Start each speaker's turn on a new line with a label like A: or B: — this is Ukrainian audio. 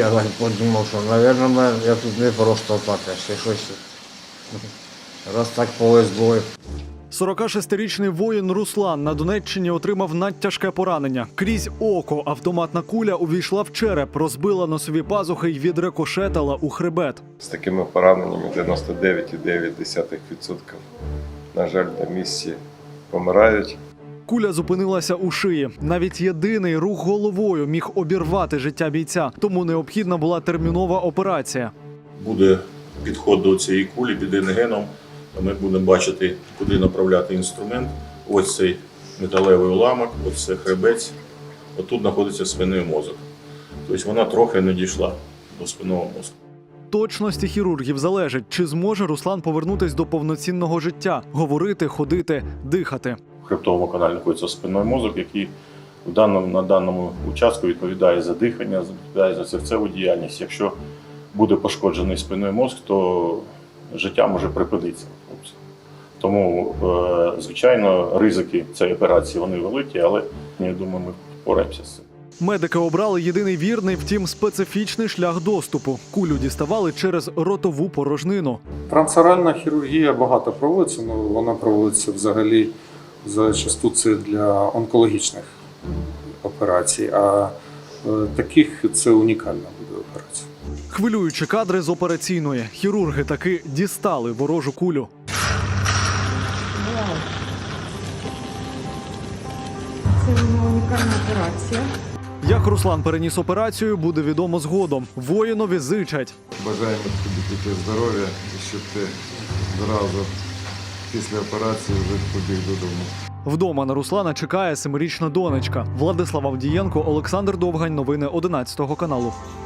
A: я так подумав, що, мабуть, я тут не просто так, а ще щось. Раз так повезло.
B: 46-річний воїн Руслан на Донеччині отримав надтяжке поранення. Крізь око автоматна куля увійшла в череп, розбила носові пазухи й відрикошетила у хребет.
C: З такими пораненнями 99,9%, на жаль, на місці помирають.
B: Куля зупинилася у шиї. Навіть єдиний рух головою міг обірвати життя бійця, тому необхідна була термінова операція.
D: Буде підход до цієї кулі під рентгеном. Ми будемо бачити, куди направляти інструмент. Ось цей металевий уламок, ось це хребець. Отут знаходиться спинний мозок. Тобто вона трохи не дійшла до спинного мозку.
B: Точності хірургів залежить, чи зможе Руслан повернутися до повноцінного життя, говорити, ходити, дихати.
D: В хребтовому каналі знаходиться спинний мозок, який на даному участку відповідає за дихання, відповідає за серцеву діяльність. Якщо буде пошкоджений спинний мозок, то життя може припинитися. Тому, звичайно, ризики цієї операції вони великі, але я думаю, ми впораємося з цим.
B: Медики обрали єдиний вірний, втім специфічний шлях доступу. Кулю діставали через ротову порожнину.
E: Трансоральна хірургія багато проводиться, але вона проводиться взагалі зачасту це для онкологічних операцій, а таких це унікальна буде операція.
B: Хвилюючі кадри з операційної. Хірурги таки дістали ворожу кулю.
F: Це унікальна операція.
B: Як Руслан переніс операцію, буде відомо згодом. Воїнові зичать.
G: Бажаємо тобі тільки здоров'я і щоб ти одразу після операції вже побіг додому.
B: Вдома на Руслана чекає 7-річна донечка. Владислав Авдієнко, Олександр Довгань. Новини 11 каналу.